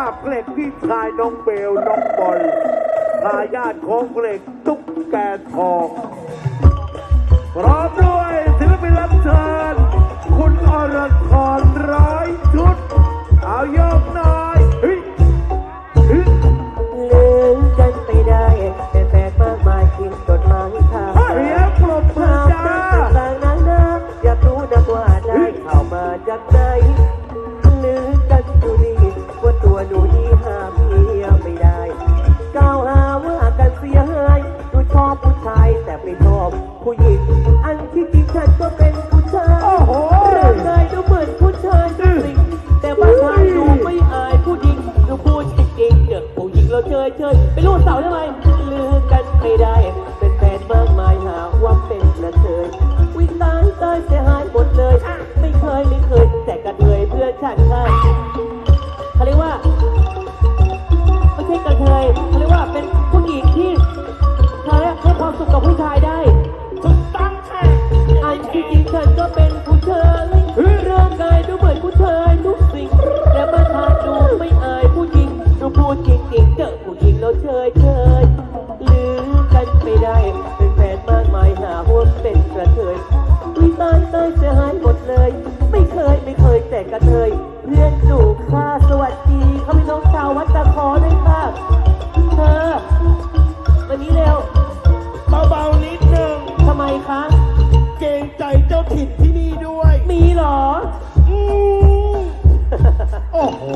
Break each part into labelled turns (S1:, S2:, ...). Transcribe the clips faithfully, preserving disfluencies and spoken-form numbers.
S1: บเพลงพี่ชายน้องเบลน้องบอลทายาทของเพลงตุ๊กแกทองพร้อมด้วยศิลปินรับเชิญคุณอรชรร้อยชุดเอายกหน่อยเฮ้ยเฮ้ย
S2: ลืมกันไปได้แต่แฟนมากมายทิ้งจดหมายทาง
S1: เรียกปรบมือจ้า
S2: ต่างนั้นนะอยากรู้นะว่าได้ข่าวมาจากไหนลืมกันอยู่ดีว่าตัวหนูนี่หาเมียไม่ได้กล่าวหาว่ากันเสียหายหนูชอบผู้ชายแต่ไม่ชอบผู้หญิงอันที่จริงฉันก็เป็นผู้ชาย
S1: โอ้โห
S2: ร่างกายดูเหมือนผู้ชายจริงแต่ว่าชายดูไม่อายผู้หญิงหนูพูดจริงๆเด็กผู้หญิงเราเชยเชยไปรู้เสาได้ไหมลืมกันไม่ได้เป็นแฟนมากมายหาว่าเป็นกระเทยวิ่งตายตายเสียหายหมดเลยไม่เคยไม่เคยแต่กระเทยเพื่อนฉันค่ะเขาเรียกว่าไม่ใช่กระเทยเขาเรียกว่าเป็นผู้หญิงที่เขาเรียกให้ความสุขกับผู้ชายได้ถูกต้องค่ะอันที่จริงฉันก็เป็นผู้ชายร่างกายดูเหมือนผู้ชายทุกสิ่งแต่มาทางดูไม่อายผู้หญิงดูพูดจริงๆเจอผู้หญิงเราเชยเชยลืมกันไม่ได้เป็นแฟนมากมายหาว่าเป็นกระเทยวิตายตายเสียหายหมดเลยไม่เคยไม่เคยแต่กระเทยเรียนสู่ค่าสวัสดีเขาพี่น้องชาววัดตะคอด้วยค่ะเธอวันนี้เร็ว
S3: เบาๆนิดนึง
S2: ทำไมคะ
S3: เกรงใจเจ้าถิ่นที่นี่ด้วย
S2: มีเหรอ
S3: อืม
S1: โอ้โห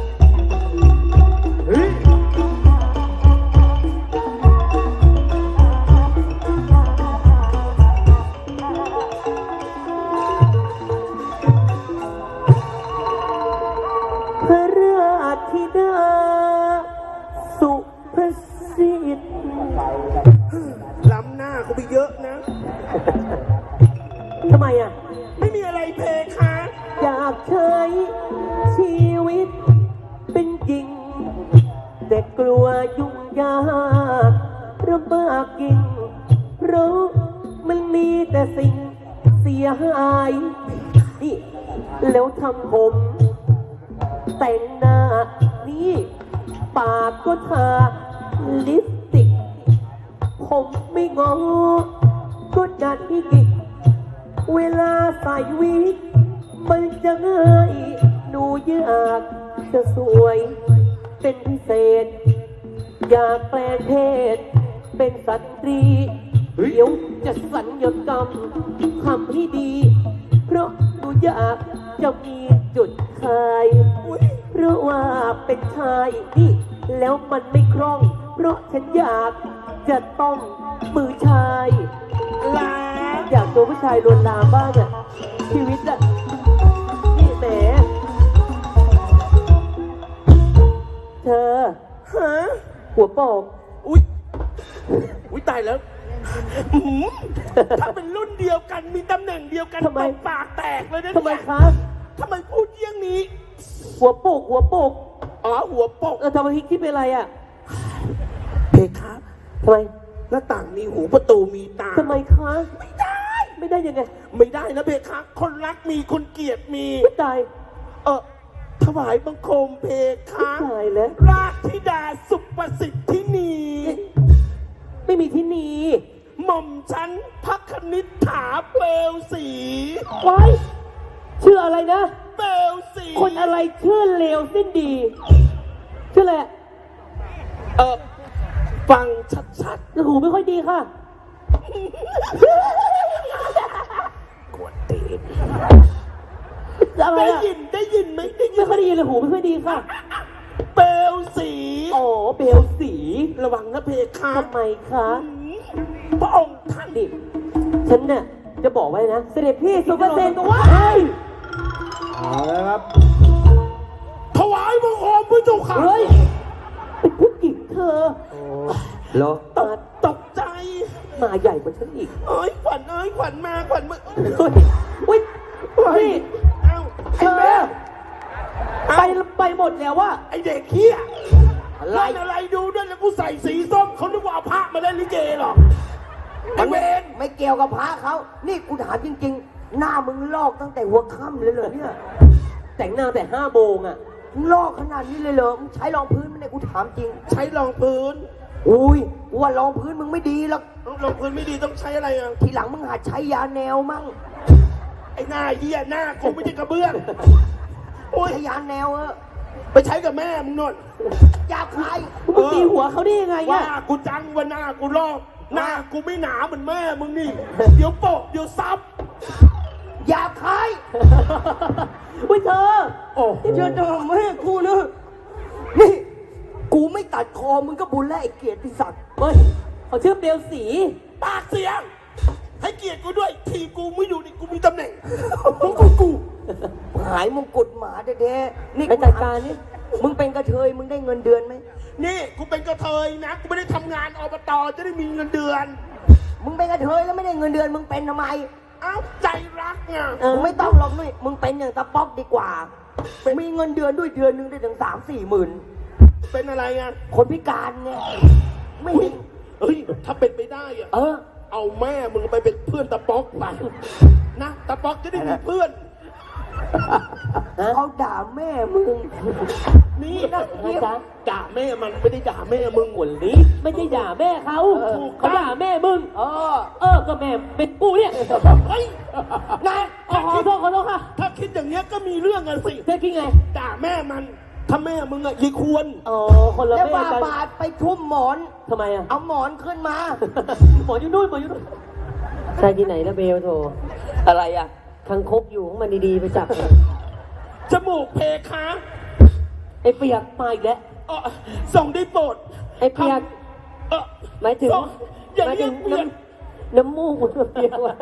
S1: เฮ้ย
S2: พระราธิดาสุภสิทธิ์
S3: ล้ำหน้าเขาไปเยอะนะ
S2: ทำไมอ่ะ
S3: ไม่มีอะไรเพคะ
S2: อยากใช้ชีวิตเป็นจริง แต่กลัวยุ่งยากลำบากยิ่งเพราะมันมีแต่สิ่งเสียหายนี่แล้วทำผม แต่งหน้านี่ปากก็ทาลิปสติก ผมไม่งอก็ดัดอีกเวลาใส่วิกมันจะง่ายหนูอยากจะสวยเป็นพิเศษ อยากแปลงเพศเป็นสตรีเดี๋ยวจะสัญญกรรมทำให้ดี เพราะหนูอยากจะมีจุดขายเพราะว่าเป็นชายนี่แล้วมันไม่คล่อง เพราะฉันอยากจะต้องมือชายลาอยากตัวผู้ชายลวนลามบ้างอะชีวิตอะนี่แหมเธอ
S3: ฮะ
S2: หัวโปก
S3: อุ๊ย อุ๊ย ตายแล้วหืมถ้าเป็นรุ่นเดียวกันมีตำแหน่งเดียวกัน
S2: ทำไม
S3: ตบปากแตกเลยนะ
S2: ทำไม
S3: เนี่ย
S2: คะ
S3: ทำไมพูดเยี่ยงนี้
S2: หัวโปกหัวโปก
S3: อ๋อ หัวปก
S2: เออทำไมพี่คิดเป็นอะไรอะ
S3: เพคะ
S2: ทำไม
S3: หน้าต่างมีหูประตูมีตา
S2: ทำไมคะ
S3: ไม่ได้
S2: ไม่ได้ยังไง
S3: ไม่ได้นะเพคะ คนรักมีคนเกลียดมี
S2: ไม่ตาย
S3: เออถวายบังคมเพคะ
S2: ตายแล้ว
S3: ราชธิดาสุประสิทธินี
S2: ไม่มีที่นี
S3: หม่อมฉันพักคณิษฐาเปลวสี
S2: ไว้ชื่ออะไรนะ
S3: เปลวสี
S2: คนอะไรชื่อเลวสิ้นดี ชื่ออะไร
S3: เออฟังชัด
S2: หูไม่ค่อยดีค่ะ
S3: ๆกวนตีน
S2: อะไร
S3: ได้
S2: อะ
S3: ยินได้ยินไหมได้ยิ
S2: ไม่
S3: น
S2: ค่อยได้ยินเลยหูไม่ค่อยดีค่ะ
S3: เปลวสี
S2: อ๋อเบลสี
S3: ระวังนะเพคะ
S2: ทำไมคะ
S3: พระองค์ท่าน
S2: นี่ฉันเนี่ยจะบอกไว้นะ เสด็จพี่สุภเซนก็ว่า
S1: เอาละครับ
S3: ถวายบังคมพระเจ้าค่ะ
S2: เฮ้ยเป็นผู้หญิงเธอ
S1: เหรอ
S3: ตกตกใจ
S2: มาใหญ่กว่าฉันอีก
S3: เอ้ยขวัญเอ้ยขวัญมาขวัญมา
S2: เฮ้ยเฮ้ย
S3: เฮ้ย
S2: นี่
S3: เอ้า
S2: เธ
S3: ไอ้
S2: อ
S3: แม่
S2: ไปไปหมดแล้วว่า
S3: ไอ้เด็กเหี้ย
S2: อะไร
S3: เล่นอะไรดูด้วยแล้วกูใส่สีส้มเขานึกว่าเอาพระมาเล่นลิเกหรอไอ้เวน
S4: ไม่เกี่ยวกับพระเขา นี่กูถามจริง ๆ หน้ามึงลอกตั้งแต่หัวค่ำเลยเหรอเนี่ย
S2: แต่งหน้าแต่ห้าโมงอ่ะ
S4: มึงลอกขนาดนี้เลยเหรอมึงใช้รองพื้นไหมเนี่ยกูถามจริง
S3: ใช้รองพื้น
S4: อุ้ยกูว่ารองพื้นมึงไม่ดีหรอก
S3: รองพื้นไม่ดีต้องใช้อะไรอ่ะ
S4: ทีหลังมึงหัดใช้ยาแนวมั่ง
S3: ไอ้หน้าเหี้ยหน้ากูไม่ใช่กระเบื้องโอ้ย
S4: ใช้ยาแนวเออ
S3: ไปใช้กับแม่มึงนน
S4: ยาคาย
S2: มึงตีหัวเขาได้ยังไง
S3: ว่า
S2: อะ
S3: กูจังว่าหน้ากูลอกหน้ากูไม่หนาเหมือนแม่มึงนี่ เดี๋ยวโปะเดี๋ยวซับ
S4: ยาคาย
S2: อุ้ยเธอ
S3: โอ้
S4: เชื่อจะแม่กูนะนี่กูไม่ตัดคอมึงก็บุญแล้วไอ้เกียรติศักดิ์
S2: เฮ้ยเขาชื่อเบลสี
S3: ปากเสียง ให้เกียรติกูด้วย ทีกูไม่อยู่นี่กูมีตำแหน่งมึงกูกู
S4: หายมงกุฎหมาแท้ๆนี่
S2: ไปจัดการนี่
S4: มึงเป็นกระเทยมึงได้เงินเดือนไหม
S3: นี่กูเป็นกระเทยนะกูไม่ได้ทำงานอบตจะได้มีเงินเดือน
S4: มึงเป็นกระเทยแล้วไม่ได้เงินเดือนมึงเป็นทำไม
S3: เอ้าใจรักไง
S2: เออ
S4: มึงไม่ต้องหรอกนุ้ยมึงเป็นอย่างตะป๊อกดีกว่า มีเงินเดือนด้วยเดือนหนึงได้ถึงสามสี่หมื่น
S3: เป็นอะไรไง
S4: คนพิการไงไม่
S3: อุ๊
S4: มี
S3: ยเฮ้ยถ้าเป็นไปได้อะ
S4: เออ
S3: เอาแม่มึงไปเป็นเพื่อนตะป๊อกไปนะตะป๊อกจะได้มีเพื่อน
S4: เขาด่าแม่มึง
S3: นี่
S2: นะจ๊ะ
S3: ด่าแม่มันไม่ได้ด่าแม่มึงหมดลิ
S2: ไม่ได้ด่าแม่เขา
S3: เออ
S2: เขาด่าแม่มึง
S4: เออ
S2: เออ ก็แม่เป็นกูเนี่ย
S3: เฮ้ยนาย
S2: ขอขอโทษขอโทษค่ะ
S3: ถ้าคิดอย่างเงี้ยก็มีเรื่องกันสิ
S2: เธอคิดไง
S3: ด่าแม่มัน ถ้าแม่มึงอะยีควร
S2: อ๋อ คนละ
S4: แล้ว
S2: แม่
S4: ว่า
S2: กัน
S4: บาทไปทุ่มหมอน
S2: ทำไมอะ
S4: เอาหมอนขึ้นมา
S2: หมออยู่นู่นหมออยู่นู่นใช่ที่ไหนละเบลโทร
S4: อะไรอ่ะ
S2: คังคกอยู่ของมันดีๆไปจับ
S3: จมูกเพคะ
S2: ไอ้เปียกมาอีกแล้ว
S3: เออส่งได้โปรด
S2: ไอ้เปียก
S3: เออ
S2: หมายถึง
S3: ส่อย่า
S2: หมาย
S3: เรี
S2: ถึ
S3: ย
S2: ง
S3: กเปียก
S2: น้ำน้ำมูกมันเปียกวะ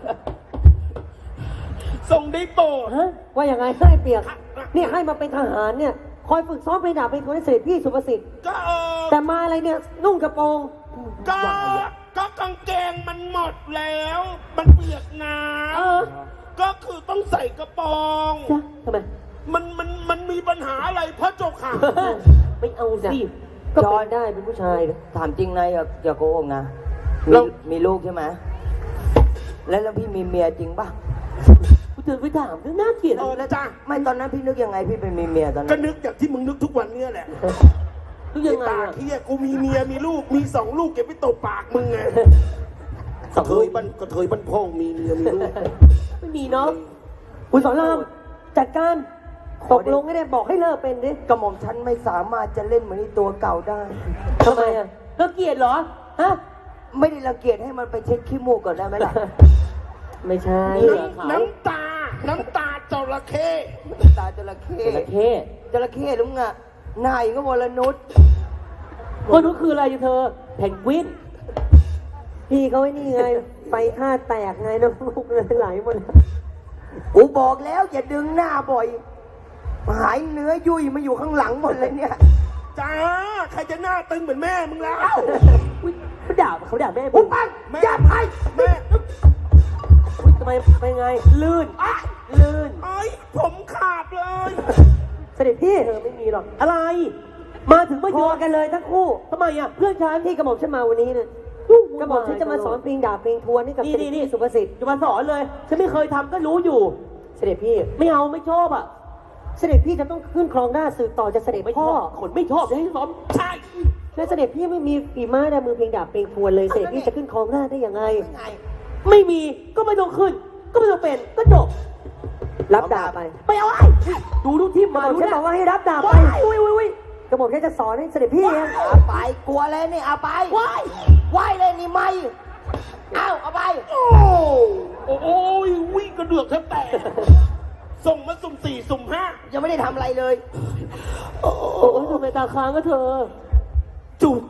S3: ส่งได้โปรด
S2: ฮะว่าอย่างไงให้เปียกเนี่ยให้มาเป็นทหารเนี่ย คอยฝึกซ้อมเพลงดาบเป็นคนให้เสด็จพี่สุภสิทธิ์
S3: ก็เออ
S2: แต่มาอะไรเนี่ยนุ่งกระโปรง
S3: ก็ก็กางเกงมันหมดแล้ว มันเปียกน้
S2: เออ
S3: ำก็คือต้องใส่กระโปรง
S2: จ้ะทำไม
S3: มันมันมันมีปัญหาอะไรพระเจ้าค่ะ
S2: ไม่เอาสิก็เป็นได้เป็นผู้ชายนะ
S4: ถามจริงนายอย่าอย่าโกหกนะ
S3: เรา
S4: มีมีลูกใช่ไหมแล้วแล้วพี่มีเมียจริงป่ะ
S2: กูเตือนไปถามเรื่องน่าเกลียด
S3: เออแล้วจ้า
S4: ไม่ตอนนั้นพี่นึกยังไงพี่เป็นมีเมียตอน
S3: ก็
S4: นั้น
S3: นึกอย่างที่มึงนึกทุกวันเนี้แหละ
S2: รู้ยังไง
S3: ปาก
S2: อะ
S3: เฮียกูมีเมียมีลูกมีสองลูกเก็บไว้ตบปากมึงไงกระเทยบ้านกระเทยบ้านพ่องมีเมียมีลูก
S2: ไม่มีเนาะคุณสอนรามจัดการตกลงให้ได้บอกให้เลิกเป็นดิ
S4: กระหม่อมฉันไม่สามารถจะเล่นเหมือนในตัวเก่าได้
S2: ทำไมอะเลิกเกลียดเหรอฮะ
S4: ไม่ได้รังเกียจให้มันไปเช็ดขี้มูกก่อนได้ไหมล่ะ
S2: ไม่ใช่
S3: น้ำน้ำตา น้ำตาจระเข้
S4: ตาจระเข้
S2: จระเข้
S4: จระเข้ลุงอ่ะนายก็วรนุช
S2: คนนู้นคืออะไรอยู่เธอแพนกวินพี่เขาไอ้นี่ไงไฟท่าแตกไงน้ำลูกเลยไหลหมด
S4: กูบอกแล้วอย่าดึงหน้าบ่อยหายเนื้อยุ่ยมาอยู่ข้างหลังหมดเลยเนี่ย
S3: จ้า ใครจะหน้าตึงเหมือนแม่มึงแล้ว
S2: อุ๊ยเขาด่าเขาด่าแม่
S4: ปุ๊
S2: มึ
S4: บ
S2: ง
S4: ปัง
S3: แม่
S4: อย่าไป
S3: แม่
S2: อุ๊ยทำไมเป็นไง ลื่น
S3: อ้าย
S2: ลื่น
S3: ไอ้ยผมขาดเลย
S2: เสด็จพี่เธอไม่มีหรอก อะไร มาถึงไม่
S4: พ
S2: ย
S4: อ
S2: อม
S4: กันเลยทั้งคู่
S2: ทำไมอ่ะ เพื่อนฉันที่กระหม่อมฉันมาวันนี้เนี่ยกระหม่อมฉันจะมาสอนเพลงดาบเพลงทวนให้กับเสด็จพี่สุภสิทธิ์จะมาสอนเลย ฉันไม่เคยทำก็รู้อยู่ เสด็จพี่ ไม่เอาไม่ชอบอ่ะ เสด็จพี่จะต้องขึ้นครองหน้าสืบต่อจากเสด็จพ่อคนไม่ชอบจะให้ซ้อม
S3: ใช่
S2: และเสด็จพี่ไม่มีฝีไม้ลายมือเพลงดาบเพลงทวนเลย เสด็จพี่จะขึ้นครองหน้าได้ยังไง
S4: ไง
S2: ไม่มีก็ไม่ต้องขึ้น ก็ไม่ต้องเป็นก็จบรับดาบไปไปเอาไอ้ดูดูที่มาดูฉันบอกว่าให้รับดาบไปอุ้ยอุ้ยอุ้ยกระหม่อมฉันจะสอนให้เสด็จพี่เอง
S4: เอาไปกลัวเลยนี่เอาไปไหว้ไหว้เลยนี่ไม่เอาเอาไป
S3: โอ้โอ้โอ้ยวิ่งกระเดือกแทบแตกส่งมาสุ่มสี่สุ่มห้า
S4: ยังไม่ได้ทำอะไรเลย
S2: โอ้ยทำไมตาค้างก็เธอ
S3: จุก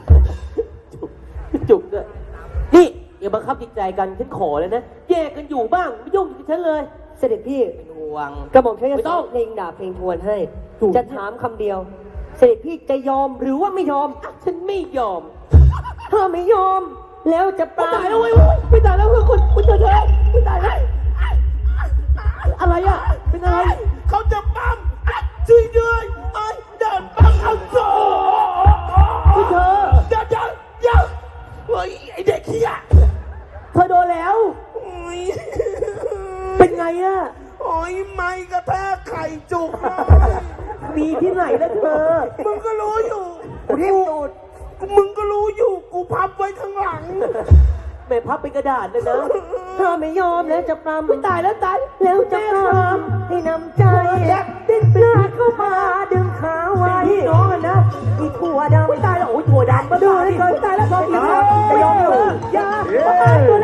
S2: จุกด้วยนี่อย่าบังคับจิตใจกันฉันขอเลยนะแยกกันอยู่บ้างไม่ยุ่งกับฉันเลย เสด็จพี่
S4: เป็นห่วง
S2: กระหม่อมฉันจะสอนเพลงดาบเพลงทวนให้ จะถามคำเดียว เสด็จพี่จะยอมหรือว่าไม่ยอม ฉันไม่ยอม ถ้าไม่ยอม แล้วจะปราบตายแล้วเว้ยไม่ตายแล้วเพื่อนคุณคุณเจอเธอไม่ตายแล้วอะไรอ่ะ เป็นอะไร
S3: เขาจะปั๊มอ่ะช่วยด้วยไอ้เดินปั๊มเอาโซ่
S2: คุณเธอ
S3: เดี๋ยวเดี๋ยวเดี๋ยวเฮ้ยไอเด็กเฮีย
S2: เธอโดนแล้ว
S3: โอ้ย
S2: เป็นไงอ่ะ
S3: โอ้ยไม่กระแทกไข่จุกเลย
S2: มีที่ไหนแล้วเธอ
S3: มึงก็รู้อยู่
S4: กูทิ่มตูด
S3: มึงก็รู้อยู่ กูพับไว้ข้างหลัง
S2: แม่พับเป็นกระดาษเลยนะ
S4: ถ้าไม่ยอมแล้วจะปรำ
S2: ไม่ตายแล้วตาย
S4: แล้วจะปรำให้นำใจดิ้นปลาเข้ามาดึงขาไว้พี่น้องกันนะอีถั่วดำ
S2: ไม่ตายแล้วโอ้ยถั่วดำมา
S4: ดู
S2: ตาย
S4: เลย
S2: ดิ
S4: เกินตายแล้วยอมอีกแล้ว
S2: จะยอมเหรอ
S4: อย่า
S1: เย้
S4: ประกันตัว